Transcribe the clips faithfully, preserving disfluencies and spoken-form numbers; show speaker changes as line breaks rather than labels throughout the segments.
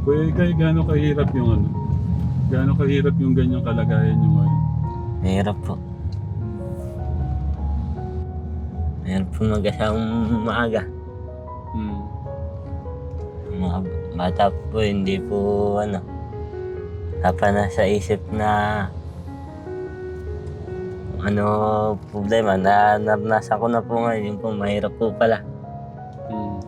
Kuya Ikay, gaano kahirap yung ano? Gaano kahirap yung ganyang kalagayan nyo ngayon?
Mahirap po. Mahirap po mag-asawang maaga.
Hmm.
Mga bata po, hindi po ano, dapat na sa isip na ano problema na naranasan ko na po ngayon, yung po mahirap po pala.
Hmm.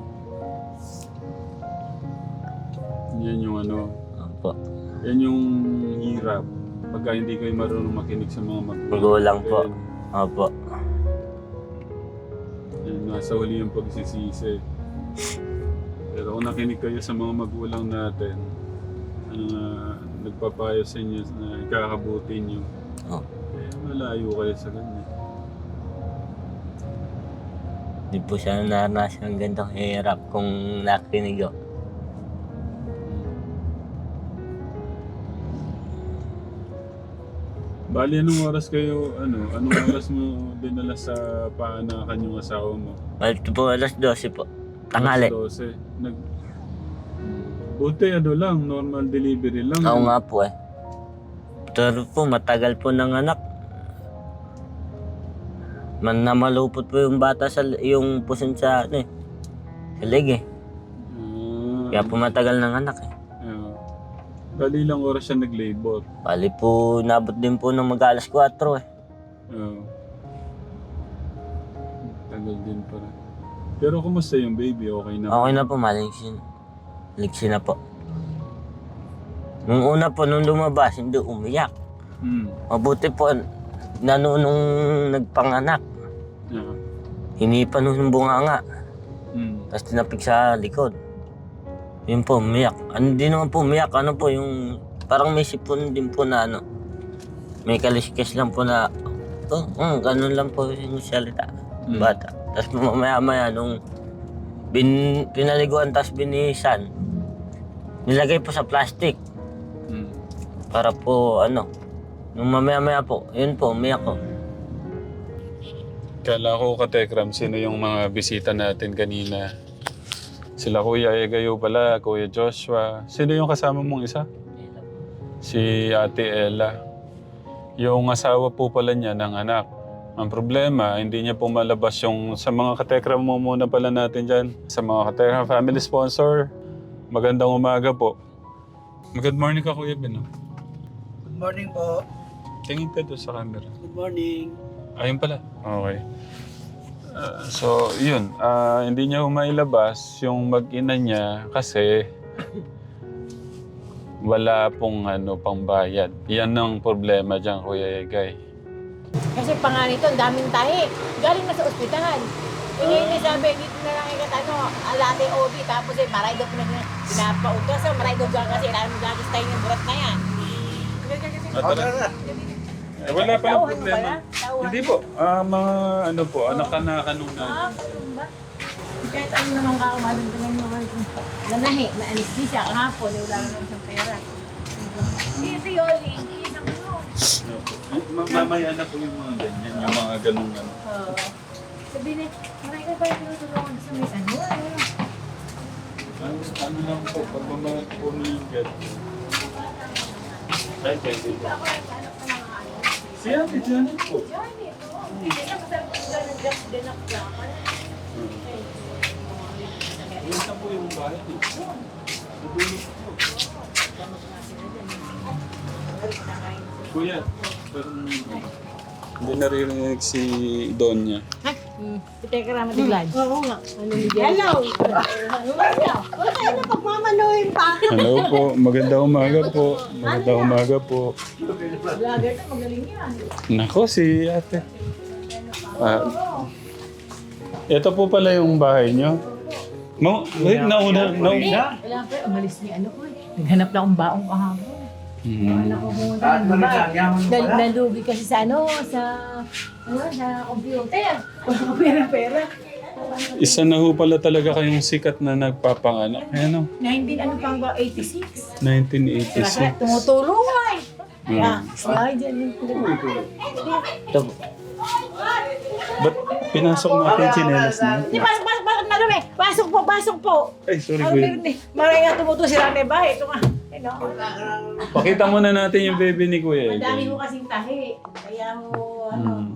Yan yung ano,
Opo.
yan yung hirap. Pagka hindi kayo marunong makinig sa mga magulang.
Magulang po.
Yan,
Opo.
yan, nasa huli yung pagsisisi. Pero kung nakinig kayo sa mga magulang natin, uh, nagpapayo sa inyo na ikakabuti nyo,
Oh.
eh, malayo kayo sa ganyan.
Hindi po siya naranasan ng ganitong hirap kung nakinig ko.
Bali, anong oras kayo, ano, anong oras mo dinala sa paanakan yung asawa mo?
Ito po alas dose po. Tanghali.
alas dose. Nag... Buti, ano lang, normal delivery lang.
Oo
ano?
nga po eh. Pero po matagal po ng anak. Man na malupot po yung bata sa yung puson sa ano eh. Sa leg eh.
Ah,
Kaya po matagal ng anak eh.
ah. Bali, ilang oras siya nag-labor.
Bali po nabot din po ng mag-alas kwatro eh.
Oo. Tagal din para. Pero kumusta yung baby? Okay na?
Okay na po, maligsin. Ligsin na po. Nung una po, nung lumabas, hindi umiyak.
Hmm.
Mabuti po, nano nung nagpanganak.
Yeah.
Hinipan nung bunganga.
Hmm.
Tapos tinapik sa likod. Yun po, umiyak. Ano din naman po umiyak, ano po yung... Parang may sipon din po na ano. May kaliskis lang po na... Oh, mm, ganun lang po yung salita.
Mm.
Bata. Tapos mamaya-maya nung... Bin, pinaliguan tapos binihisan. Nilagay po sa plastic.
Hmm.
Para po ano. Nung mamaya-maya po, yun po, umiyak ko.
Kala ko, Katekram, sino yung mga bisita natin kanina? Sila Kuya Egayo pala, Kuya Joshua. Sino yung kasama mong isa? Si Ate Ella. Yung asawa po pala niya ng anak. Ang problema, hindi niya po malabas yung sa mga Katekram mo muna pala natin dyan. Sa mga Katekram family sponsor, magandang umaga po. Good morning ka, Kuya Ben.
Good morning po.
Tingin ka doon sa camera.
Good morning.
Ayun pala. Okay. Uh, so, yun. Uh, hindi niya umailabas yung mag-ina niya kasi wala pong ano, pangbayad. Yan ang problema dyan, Kuya Egay.
Kasi pa nga nito, ang daming tahi. Galing na sa ospital. E ngayon eh, sabi, dito na lang ikat ano, alate O B, tapos eh, maray daw pinag pinapautos. So, maray daw dyan kasi, alam mo gagis tayo yung burat na yan.
Eh, wala pa lang problema. Hindi po. Ah, mga ano po, anak-anakan nung na.
Ah, ganun ba? Kahit ano naman ka, umalang ka lang naman. Nanahi, na anesthesia, kahapon, eh, wala naman siyang pera. Ito yun, iisang ano.
Mamaya na po yung mga ganyan, yung mga ganung ano.
Oo. Sabi niya, maray ka ba yung tinutulungan sa may ano? Ano?
Ano, ano lang po, pag mga pumigat. Ay, pwede po.
Ako naghanap pa ng ano.
Si Ate Janet po.
Johnny, oo. Hindi na masarap ko ng just din ako laman.
Yun na po yung bahay niyo. Nabulog po. Kuya, parang hindi naririnig si Donya.
Teka lang, matiglan.
Oo nga.
Ano ni
Hello! Huwag kayo na pagmamanuhin pa.
Hello po, magandang umaga po. Magandang umaga po.
Vlogger to, magaling yan.
Nako, si ate. Ah, ito po pala yung bahay niyo. No, wait, nauna, nauna.
Wala pa, umalis ni ano ko eh. Naghanap na akong baong kahapon.
Hmm.
Wala ko pumunta ng babae. Dal- Nalugi kasi sa ano, sa, ano, sa computer. Wala ko pera-pera.
Isa na ho pala talaga kayong sikat na nagpapanganak. Ano?
nineteen, ano pang ba, eighty-six.
nineteen
Kaya
eighty-six.
tumutulong ay.
Hmm.
Ay, dyan yung pinag-
Ito po.
Ba't pinasok natin yung chinelas niyo?
Hindi, parang, parang, parang ano may, pasok po, pasok po.
Ay, sorry
Ano
kuya.
may, maray nga tumuto si Rane ba? Ito nga. Ano?
Pakita muna natin yung baby ni Kuya
Madami
Egay.
ho kasing tahi. Kaya ho, ano.
Hmm.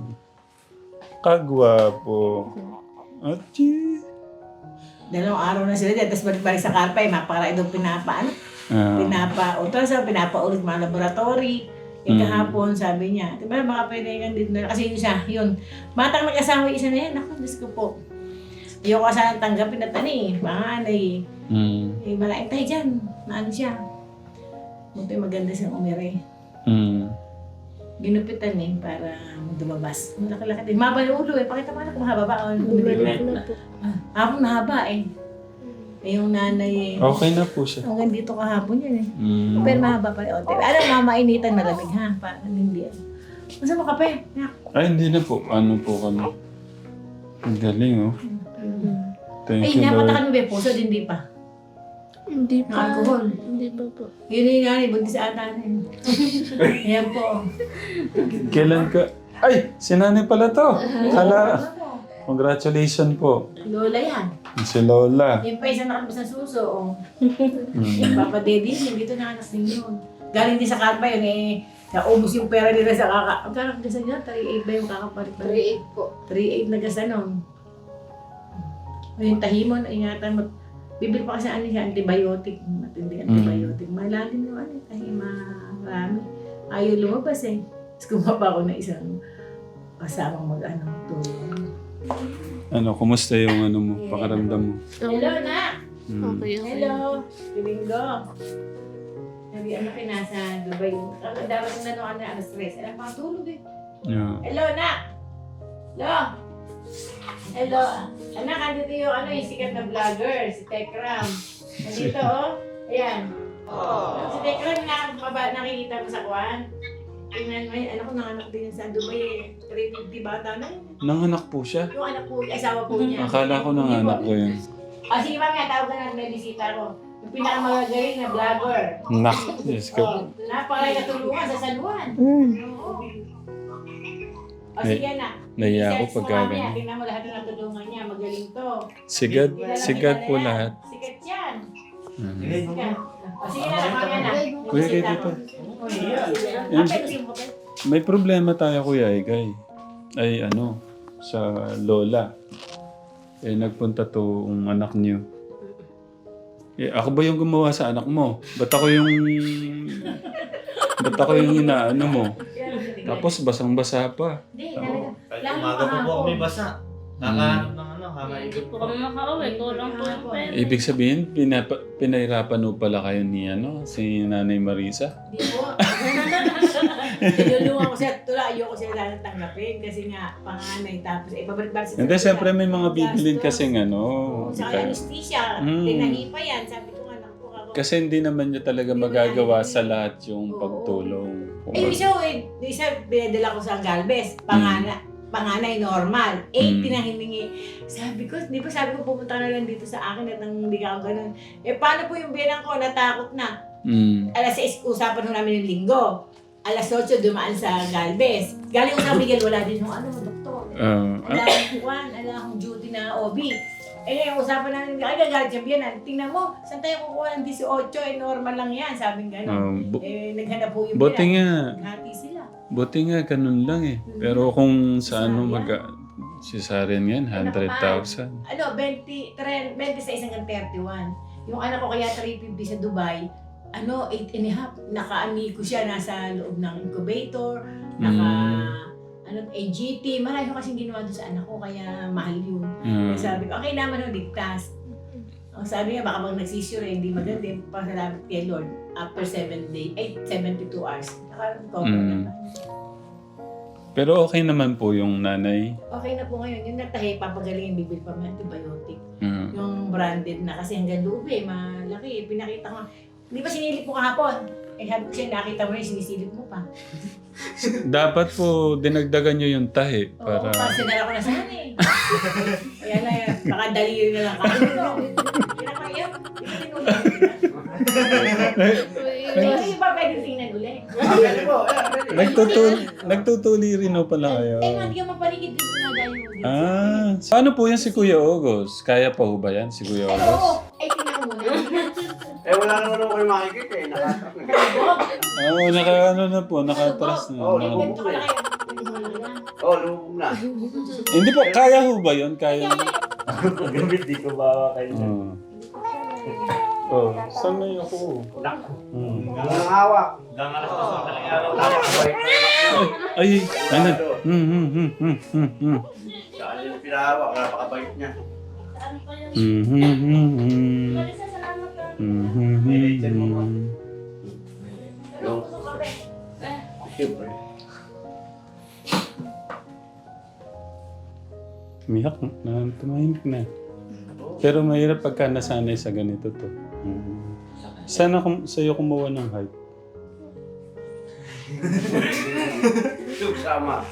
Kagwapo. Achi.
Dalawang araw na sila dyan, tapos balik-balik sa karpa, eh, mapakaray daw pinapa, ano,
Ah.
pinapa, ultrasound, pinapa-ulit mga laboratory. Yung
Mm.
kahapon, sabi niya, diba baka pwede kang dito na, kasi yun siya, yun, batang nag-asawa yung isa na yan, ako, Diyos ko po. Ayoko sana tanggapin at ano eh, panganay eh.
Mm.
Eh, malaking tayo dyan, na ano siya. Buti maganda siyang umire.
Mm.
Ginupitan eh, para dumabas. Malaki-laki din. Mahaba yung ulo eh, pakita mo na kung mahaba ba. o hindi.
Bumalik na po.
Ah, Ako mahaba eh. Eh, yung nanay eh.
Okay na po siya.
Hanggang dito kahapon yun eh.
Mm.
Pero mahaba pa rin. Ote. Alam, mamainitan malamig ha. Parang hindi yan. Masa mo kape? Nak.
Ay, hindi na po. Ano po kami? Ang galing, oh. Thank
Ay,
you, Lord.
napatakan mo ba yung puso? Hindi pa.
Hindi
Ng
pa.
alcohol.
Hindi pa po.
Yun yung nanay, buntis sa ata na yun. Yan po.
Kailan ka? Ay, si nanay pala to. Hala. Congratulations po.
Lola yan.
Si Lola.
Yung pa isang nakalabas na suso. Oh.
Mm.
Yung Papa Daddy, yung dito nakanas din yun. Galing din sa karpa yun eh. Naubos yung pera nila sa kaka... Ang kakagasan nila, three eight ba yung kakapalit?
three eight po.
three eight na gasanon. Yung tahimon, ingatan mo. Bibili pa kasi ano siya, antibiotic. Matindi antibiotic. Malalim yung ano, tahima, marami. Ayaw lumabas eh. Tapos kumapa ako na isang kasamang mag-ano, tulong.
Ano, kumusta yung ano mo, pakaramdam mo?
Hello, na!
Mm.
Okay, okay.
Hello! Domingo! Sabi, ano ka nasa Dubai? Ang dapat yung nanuan na alas tres. Alam pa, tulog eh.
Yeah.
Hello, nak! Hello! Hello! Anak, andito yung ano, yung sikat na vlogger, si Tekram. Nandito, oh. Ayan. Si Tekram, nakakaba, nakikita mo sa kwan. Tingnan mo, anak ko nanganak din yan sa Dubai eh. three fifty bata na yun.
Nanganak po siya.
Yung anak po, asawa po niya.
Akala ko nanganak ko yun.
Ah, sige mami, tawag ka natin na bisita ko. Yung pinakamagagaling na vlogger.
Nak, Diyos ko.
Oh, napakay natulungan sa San Juan.
Mm.
Oo. O sige na.
Naiya ako
I-search mo
pagka
mamaya.
ganun.
Tingnan mo lahat ng natulungan niya. Magaling to.
Sigat,
Kilala-
sigat
kilala
po
yan.
lahat.
Sikat yan.
Mm.
Sikat. O sige na, mamaya na.
Kuya,
Bisita
dito.
ko.
Yan.
Kapay, gusto mo kapay?
May problema tayo, Kuya Egay. Ay, ano, sa lola. Eh, nagpunta to ang anak niyo. Eh, ako ba yung gumawa sa anak mo? Ba't ako yung... Ba't ako yung inaano mo? Tapos basang-basa pa.
Hindi, talaga.
Kahit
Lalo
umaga pa po
kahapon.
kami basa. Kakahanap ng ano, kakaikot
Hindi po kami makauwi. Kulang po yung pera.
Ibig sabihin, pinapa, pinahirapan mo pala kayo ni ano, si Nanay Marisa?
Hindi po. Tinulungan ko siya. Tula, ayoko siya lang tanggapin kasi nga panganay. Tapos, eh, babalik-balik siya.
Hindi, siyempre may mga
Gastos.
bibilin kasing ano.
Oo, sa
ka-
anesthesia.
Mm.
Tinahipa yan. Sabi ko nga, naku, ako.
Kasi hindi naman niya talaga
Hindi
magagawa
wala.
sa lahat yung
Oo.
pagtulong.
Eh, yung isa, eh, yung isa, pinadala ko sa Galvez. Pangana, panganay normal. Eh,
Mm.
pinahiningi. Sabi ko, di ba sabi ko pumunta na lang dito sa akin at nang hindi ka ako ganun. Eh, paano po yung bilang ko? Natakot na.
Mm.
Alas sais, usapan ho namin yung linggo. Alas otso, dumaan sa Galvez. Galing ko sa Miguel, wala din yung ano, doktor.
Ah,
Wala akong kuwan, wala akong duty na O B. Eh ngayon, usapan namin, ay gagalit siya biyanan. Tingnan mo, saan tayo kukuha ng eighteen? Eh, normal lang yan, sabing gano'n.
ah, bu-
Eh, naghanap po yung
buti
biyanan.
nga,
Naghati sila.
buti nga ganun lang eh. Pero kung sa ano mag... Si Saren yan, one hundred thousand.
Ano, twenty, twenty-six hanggang thirty-one. Yung anak ko kaya three fifty sa Dubai, ano, eight and a half. Naka-ami ko siya, nasa loob ng incubator, naka, ano, A G T. Marami ko kasing ginawa doon sa anak ko, kaya mahal yun.
Ah,
Kaya sabi ko, okay naman ho, ligtas. Ang sabi niya, baka pag nagsisure, hindi maganda. Pasalamat kay Lord. After seven days, eight, seventy-two hours. Naka-recover
Mm.
naman.
pero okay naman po yung nanay.
Okay na po ngayon. Yung nagtahi, papagaling, bibili pa may antibiotic.
Ah,
Yung branded na kasi hanggang loob eh, malaki. Pinakita ko, di ba sinilip mo kahapon? Eh, sabi ko siya, nakita mo rin, sinisilip mo pa.
dapat po dinagdagan nyo yung tahi
Oo,
para...
para sinara ko na sana eh. Kaya na yan, baka daliri na lang. Kaya ko, pinapaiyak. Hindi ko Hindi ba pwede tingnan ulit?
Pwede po, yeah, pwede.
Nagtutul nagtutuli rin ho pala kayo.
Eh, hindi ka mapaligid dito na dahil mo dito.
Ah, paano po yan si Kuya August? Kaya pa ho ba yan si Kuya
Ay, oo.
August?
Ay, tingnan ko muna.
Eh, wala naman ako kayo makikita eh. Nakatak na.
Oo, oh, naka ano na po, nakatras na.
Oo,
Naka-
Ganito ka na kayo.
Oo, lumubog na.
Hindi po, kaya ho ba yun? Kaya mo?
Gamit, di ko ba kayo?
Oo. Oh, saan na yung ako? Hmm.
Walang hawak. Hanggang alas dos ng talang araw. Nakakabait na yun.
Ay, ano? Hmm, hmm, hmm, hmm, hmm, hmm.
Saan yung pinahawak? Napakabait niya.
Hmm, hmm, hmm, hmm. Hmm, hmm, hmm, hmm.
Yung... Siyempre.
Miyak na, tumahimik na. Pero mahirap pagka nasanay sa ganito to. Hmm. Sana kum sa'yo kumuha ng height.
Yung sama.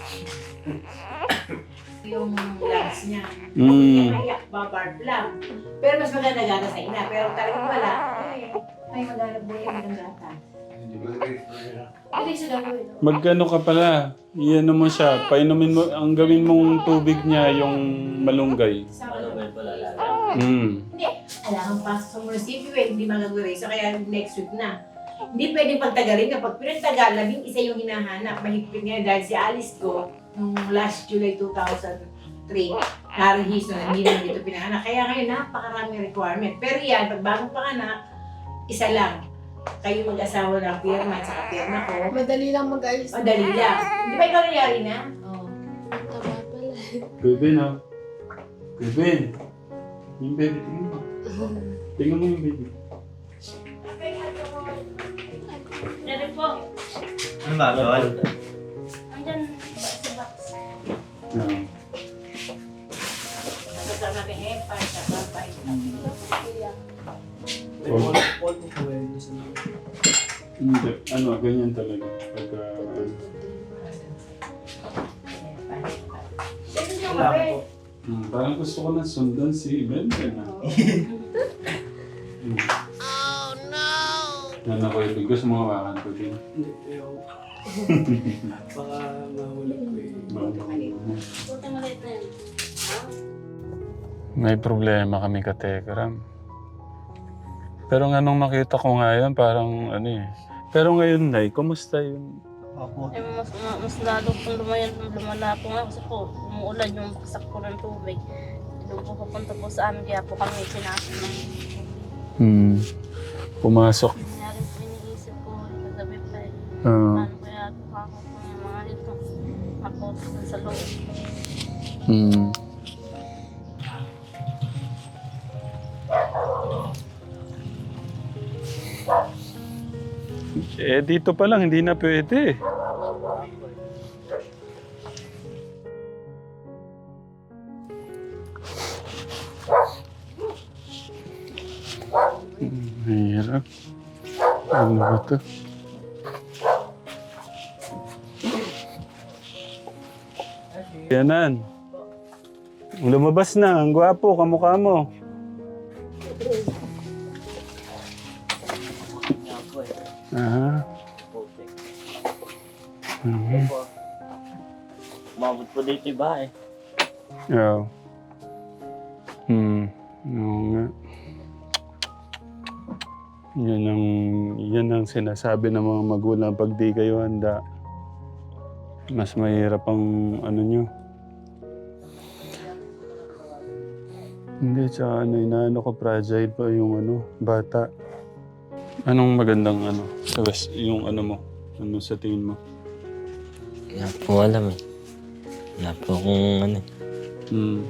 Yung lungs niya.
Mm.
Kaya babarb lang. Pero mas maganda gata sa ina. Pero talagang wala. Ay, ay maganda po yung maganda gata. Hindi siya gagawin.
Magano ka pala, iyan mo siya, painumin mo, ang gawin mong tubig niya yung malunggay.
Sa
Ano ba
ano?
yung palala?
Mm.
Hindi. Kailangan pasok sa munisipyo eh. Hindi magagawin. So kaya next week na. Hindi pwedeng pagtagalin. Kapag pinagtagal, labing isa yung hinahanap. Mahigpit nga dahil si Alice ko, nung last July two thousand three, narahiso na hindi naman dito pinanganak. Kaya ngayon, napakarami requirement. Pero yan, pag bagong panganak, isa lang. Kayo mag-asawa ng pirma at saka pirma ko.
Madali lang mag-ayos.
Madali lang. Di ba ikaw nangyari na? Oo.
Tama pala.
Kevin ah. Kevin. Yung baby, tingnan mo. Tingnan mo yung baby.
Dari po.
Ano ba, Tol?
Andyan sa box.
Ah.
Kasama kay Hepa, saka pa.
Oh. Hindi. Ano, ganyan talaga. Pagka...
Wala po.
Hmm, parang gusto ko na sundan si Ben. Ah. Hmm. Oh no! Yan ako yung gusto mo hawakan ko din.
Hindi, ayaw. Baka mahulog ko eh.
Puta maliit na yan.
May problema kami ka Tegram. Pero nga nung makita ko nga yan, parang ano eh. Pero ngayon, Nay, kumusta yung...
Opo.
Eh, mas, mas, mas lalo pong lumayan, lumala po nga kasi po, umuulan yung baksak po ng tubig. Doon po papunta po sa amin, kaya po kami sinasok ng
Hmm. Pumasok.
nangyari po iniisip ko, kagabi pa eh.
Ah.
Paano kaya ako po yung mga nito, makotos na sa loob.
Hmm. Eh, dito pa lang, hindi na pwede. Hmm, hirap. Ano ba ito? Yanan. Lumabas na, ang gwapo, kamukha mo. Ah. Mhm.
Umabot po dito yung bahay.
Oo. Hmm. Oo nga. Yan ang, yan ang sinasabi ng mga magulang pag di kayo handa. Mas mahirap ang ano nyo. Hindi, tsaka ano, inaano ko, fragile pa yung ano, bata. Anong magandang ano, sabas, yung ano mo, ano sa tingin mo?
Wala po alam eh. Wala po akong ano eh.
Hmm.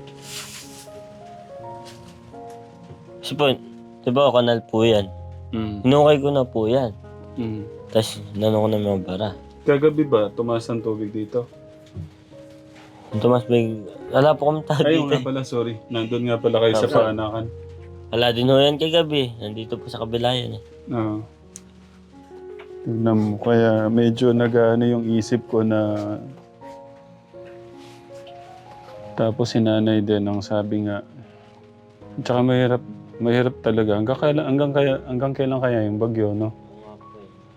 Kasi po, di ba kanal po yan?
Hmm.
Hinukay ko na po yan.
Hmm.
Tapos nano ko na mga bara.
Kagabi ba, tumaas ang tubig dito?
Tumas big, wala po kami tayo
Ayun
dito
nga
eh.
pala, sorry. Nandun nga pala kayo sa
Tapos-
paanakan.
Wala din ho yan kagabi. Nandito po sa kabila yan eh.
Oo. Tignan mo, kaya medyo nag-ano yung isip ko na... Tapos si nanay din ang sabi nga, tsaka mahirap, mahirap talaga. Hanggang kailan, hanggang kaya, hanggang kailan kaya yung bagyo, no?
Oo nga po eh.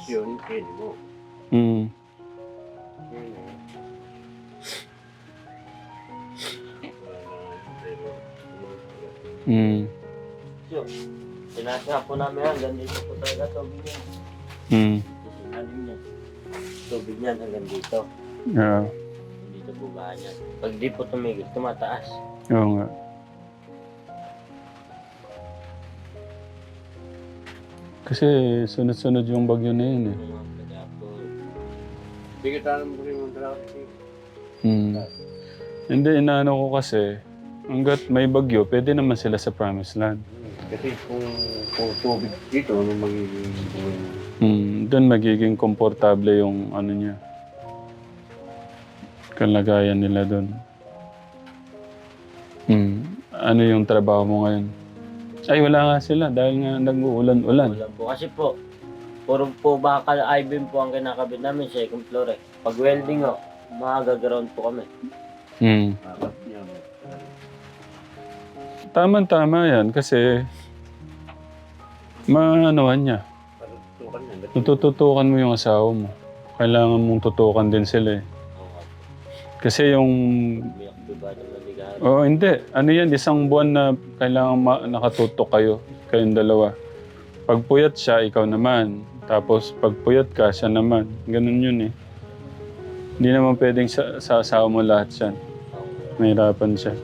yun, pwede mo.
Mm.
Yun eh.
Mm.
So, sinasya po namin hanggang dito po talaga tubig niya.
Mm.
Kasi alim niya. Tubig niyan hanggang dito.
Yeah.
Dito po ba niya. Pag di po tumigil, tumataas.
Oo nga. Kasi sunod-sunod yung bagyo na yun eh.
Yung mga kaya po,
Hindi ka tanong mo rin yung traffic.
Hmm. Hindi, inaano ko kasi, hanggat may bagyo, pwede naman sila sa Promised Land.
Kasi kung, kung tubig dito, ano magiging buhay mo?
Hmm. Doon magiging komportable yung ano niya. Kalagayan nila doon. Hmm. Ano yung trabaho mo ngayon? Ay, wala nga sila dahil nga nag-uulan-ulan.
Wala po. Kasi po, puro po bakal I-beam po ang kinakabit namin, second floor eh. Pag welding o, magagaround po kami.
Hmm.
Bakit niya?
Tama-tama yan kasi maanohan niya.
Parang tutukan niya. Ba't
Natututukan mo yung asawa mo. Kailangan mong tutukan din sila eh.
Oo.
Kasi yung...
Umiyak diba ng naligahan.
Oo, hindi. Ano yan, isang buwan na kailangan ma- nakatutok kayo. Kayong dalawa. Pag puyat siya, ikaw naman. Tapos pag puyat ka, siya naman. Ganun yun eh. Hindi naman pwedeng sa, sa asawa mo lahat yan. Mahirapan siya.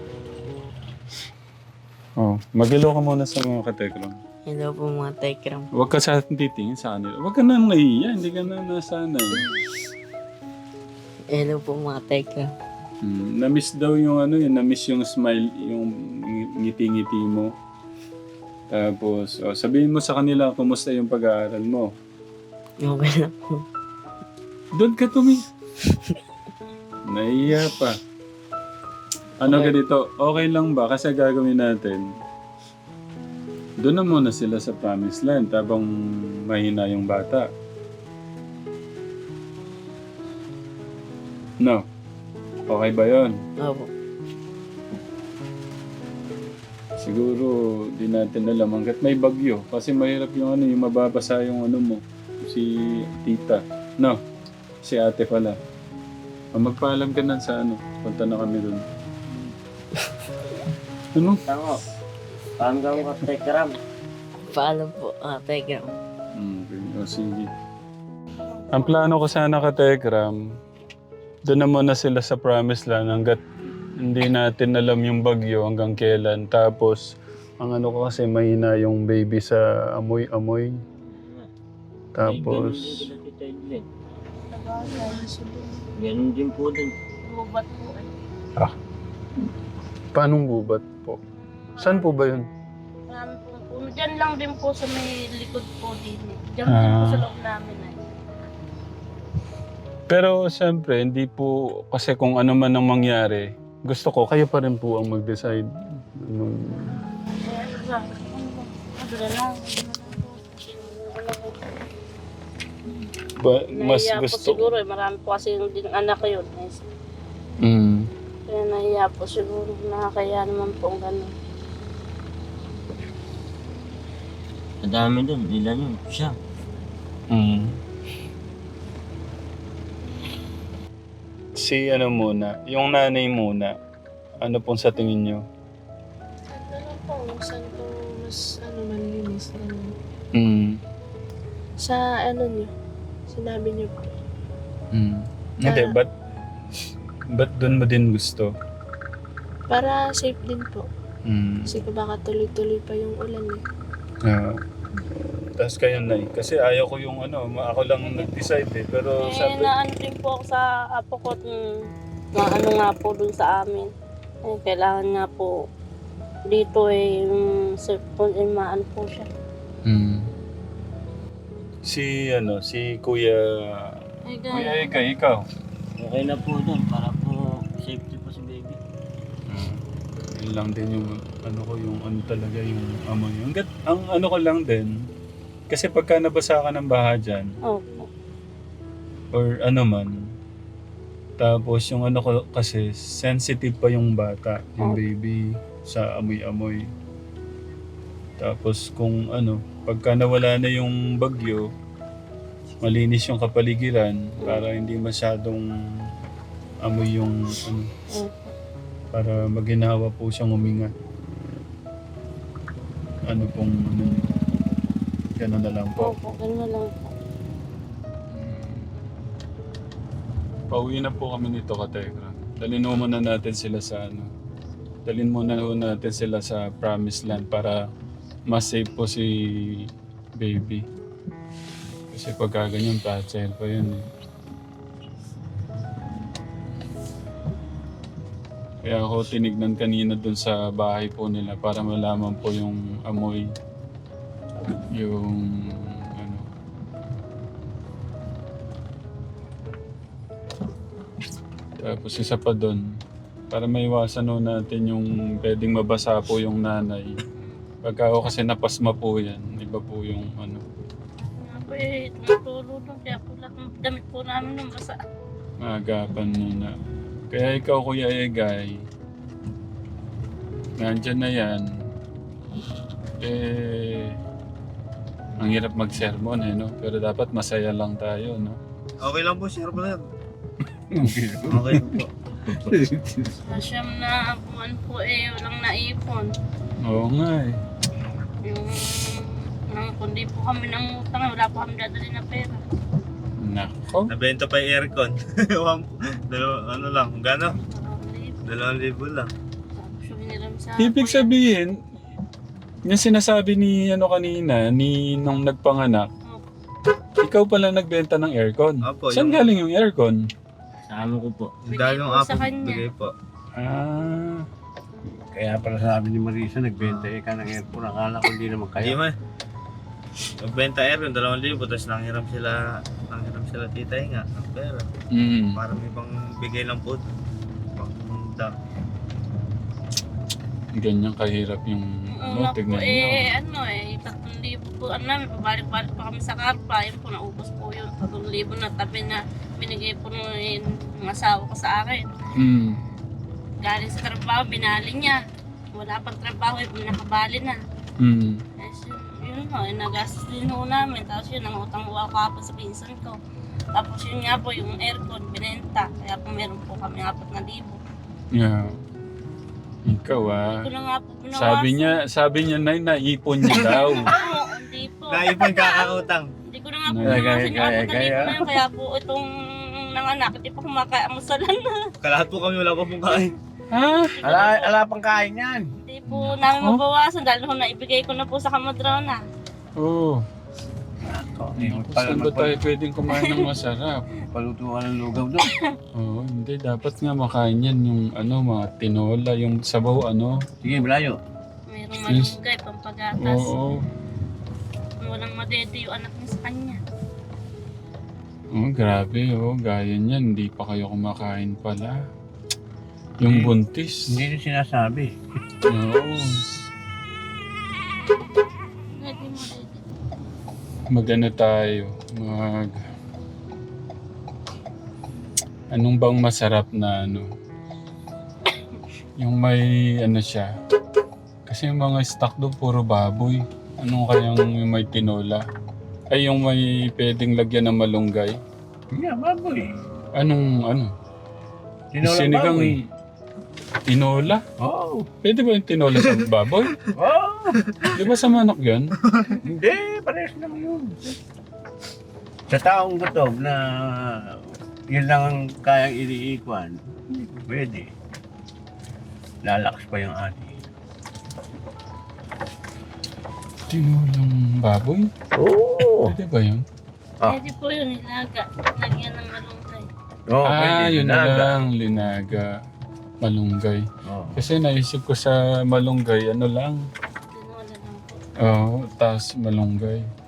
Oh, mag-hello ka muna sa mga katekram.
Hello po mga Tekram.
Huwag ka sa atin titingin sa kanila. Huwag ka na nahiya, hindi ka na nasanay.
Hello po mga Tekram.
Hmm, na-miss daw yung ano yun, na-miss yung smile, yung ngiti-ngiti mo. Tapos, oh, sabihin mo sa kanila kumusta yung pag-aaral mo.
Okay lang po.
Doon ka tumi. Nahiya pa. Ano ganito, okay lang ba? Kasi gagawin natin. Doon na muna sila sa Promised Land habang mahina yung bata. No? Okay ba yun?
Opo.
Siguro di natin alam hanggat may bagyo. Kasi mahirap yung ano, yung mababasa yung ano mo. Si tita. No? Si ate pala. O, magpaalam ka na sa ano. Punta na kami dun. Ano?
Tango, hanggang ka Tekram.
Paalam po mga Tekram.
Okay, o sige. Ang plano ko sana ka Tekram, doon na muna sila sa Promised Land hanggat hindi natin alam yung bagyo hanggang kailan. Tapos, ang ano ko kasi mahina yung baby sa amoy-amoy. Tapos,
Ganun din po din.
Bubat po eh.
paanong gubat po? Saan po ba yun?
Marami po po. Diyan lang din po sa may likod po din eh. Diyan din po
Ah.
sa loob namin eh.
Pero siyempre, hindi po, kasi kung ano man ang mangyari, gusto ko, kayo pa rin po ang mag-decide. Anong...
Kaya ano ba? Ano na lang.
Ba, mas
Nahiya po
gusto
siguro eh. Marami po kasi yung din anak ko yun. Eh.
Mm.
Kaya nahiya po siguro. Nakakaya naman po ang gano'n.
Madami dun, ilan yun? Siya.
Mm. Si ano muna, yung nanay muna, ano pong sa tingin nyo?
Ano po, saan po mas ano, malinis? Ano?
Mm.
Sa ano niyo? Sinabi niyo po.
Mm. Hindi,
Ah.
ba't, ba't doon mo din gusto?
Para safe din po.
Mm.
Kasi baka tuloy-tuloy pa yung ulan eh.
Ah. Tapos kayo na kasi ayaw ko yung ano, ma- ako lang ang nag-decide eh. Pero
Eh,
sabi,
naano din po ako sa apo ko. Mm, maano nga po dun sa amin. Eh, kailangan nga po dito eh, yung cellphone eh, maano po siya.
mm. Si ano, si Kuya,
Ay,
Kuya Eka, ikaw.
Okay na po dun, para po safety po si baby.
Mm. Yun lang din yung ano ko, yung ano talaga yung amoy. Hanggat, ang ano ko lang din, kasi pagka nabasa ka ng baha dyan,
Opo.
or ano man, tapos yung ano ko kasi, sensitive pa yung bata, yung
Oh.
baby, sa amoy-amoy. Tapos kung ano, pagka nawala na yung bagyo, malinis yung kapaligiran para hindi masyadong amoy yung ano,
Opo.
para maginawa po siyang huminga. Ano pong ano niyo? Ganun na lang po.
Opo, ganun na lang po.
Pauwi na po kami nito, Katekra. Dalhin mo muna natin sila sa ano. Dalhin muna ho natin sila sa Promised Land para mas safe po si baby. Kasi pagka ganyan, fragile pa yun eh. Kaya ako tinignan kanina dun sa bahay po nila para malaman po yung amoy. Yung ano. Tapos isa pa dun, para maiwasan ho natin yung pwedeng mabasa po yung nanay. Pagka ako kasi napasma po yan, iba po yung ano.
Nga po eh, tumutulog lang. Kaya po lahat ng damit po namin nung basa.
Maagapan muna. Kaya ikaw, Kuya Egay, nandyan na yan. Eh, ang hirap mag-sermon eh, no? Pero dapat masaya lang tayo, no?
Okay lang po, sir brother.
Okay.
Okay lang po.
Masyam na buwan po eh, walang naipon.
Oo nga eh.
Yung, nang kundi po kami ng utang, wala po kami dadali na pera.
Nako.
Nabenta pa yung aircon. One- Dalawa, ano lang, gano?
Dalawang libo.
Dalawang libo lang.
Tapos yung hiniram sa
Ibig
kuya.
sabihin, yung sinasabi ni ano kanina, ni nung nagpanganak, ikaw pala nagbenta ng aircon.
Opo,
Saan
yung-
galing yung aircon?
Sa amo ko po.
Yung
Bigay
dalawang
po
apo,
sa kanya.
bigay po.
Ah,
Kaya pala sabi ni Marisa, nagbenta eh ka ng airport. Akala ko hindi naman
Hindi
kaya.
man. Nagbenta aircon, dalawang libo, tapos nanghiram sila, nanghiram sila titay nga ng pera.
mm.
Para may pang bigay lang po. Pang da.
Ganyan kahirap yung
Una
ano,
po
tignan nyo.
eh, ano eh, tatlong libo po, ano namin, pabalik-balik pa kami sa karpa, yun po, naubos po yun, tatlong libo na tabi na binigay po nung eh, ng asawa ko sa akin.
Mm.
Galing sa trabaho, binali niya. Wala pang trabaho, eh, nakabali na.
Mm.
Eh, yun, yun nga, eh, nagastos din ho namin, tapos yun, ang utang uwa ko hapon sa pinsan ko. Tapos yun nga po, yung aircon, binenta, kaya po meron po kami apat na libo.
Yeah. Ikaw ah.
Ito na nga po binawasan.
Sabi niya, sabi niya na naipon niya daw.
Oo, hindi po.
Naipon kakautang.
Hindi ko na nga po
Kaya,
binawasan yung
kaya,
apat na
kaya.
libo na yun, kaya po itong nanganak, hindi pa kumakaamusalan na.
Kalahat po kami wala pa pong kain.
Ha?
Ala, ala pang kain yan.
Hindi po namin mabawasan dahil ho naibigay ko na po sa kamadrana.
Oo.
Ako, eh,
Saan ba tayo pwedeng kumain ng masarap?
Paluto ka ng lugaw doon.
Oo, hindi. Dapat nga makain yan yung ano, mga tinola, yung sabaw ano.
Sige, Blayo.
Mayroong
Yes.
malunggay, pampagatas.
Oo.
Walang madede yung anak niya sa kanya.
Oh, grabe oh. Gaya niyan, hindi pa kayo kumakain pala. Yung
Hindi.
buntis.
Hindi nyo sinasabi.
Oo.
Pwede mo dede.
Magano tayo? Mag... Anong bang masarap na ano? Yung may ano siya. Kasi yung mga stock doon puro baboy. Anong kayang yung may tinola? Ay yung may pwedeng lagyan ng malunggay.
Yeah, baboy.
Anong ano?
Tinolang
Sinigang
baboy.
tinola?
Oo.
Pwede ba yung tinola sa baboy?
Oh,
Di ba sa manok yun?
hindi, parehas lang yun. Sa taong gutom na yun lang ang kayang iniikwan, hindi po pwede. Lalakas pa yung ati.
Tinolang baboy?
Oo.
Pwede ba yun?
Ah.
Pwede po yun, nilaga. Lagyan ng malunggay.
Oo,
ah,
pwede.
yun na
Linaga.
lang. Linaga. Malunggay.
Oo.
Kasi naisip ko sa malunggay, ano lang.
Tinola lang po.
Oo, tas malunggay.